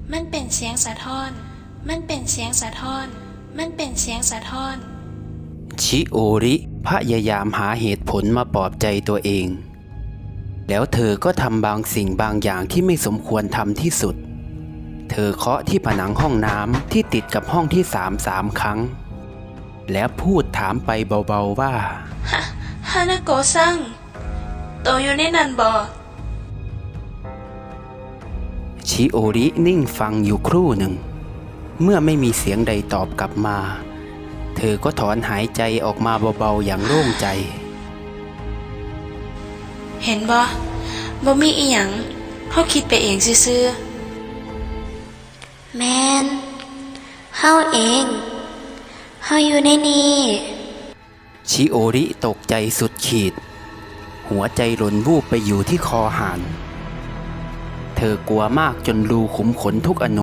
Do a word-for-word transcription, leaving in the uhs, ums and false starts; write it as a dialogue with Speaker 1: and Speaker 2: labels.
Speaker 1: มันเป็นเสียงสะท้อน มันเป็นเสียงสะท้อน มันเป็นเสียงสะท้อน
Speaker 2: ชิโอริพยายามหาเหตุผลมาปลอบใจตัวเองแล้วเธอก็ทำบางสิ่งบางอย่างที่ไม่สมควรทำที่สุดเธอเคาะที่ผนังห้องน้ำที่ติดกับห้องที่สามสามครั้งแล้วพูดถามไปเบาๆว่า
Speaker 1: ฮะฮานาโกะซังโตอยู่ในนั้นบ่
Speaker 2: ชิโอรินิ่งฟังอยู่ครู่หนึ่งเมื่อไม่มีเสียงใดตอบกลับมาเธอก็ถอนหายใจออกมาเบาๆอย่างโล่งใจ
Speaker 1: เห็นบ่บ่มีอีหยังเฮาคิดไปเองซื่อๆแมนเฮาเองเฮาอยู่ในนี้
Speaker 2: ชิโอริตกใจสุดขีดหัวใจหล่นวูบไปอยู่ที่คอหานเธอกลัวมากจนรูขุมขนทุกอนู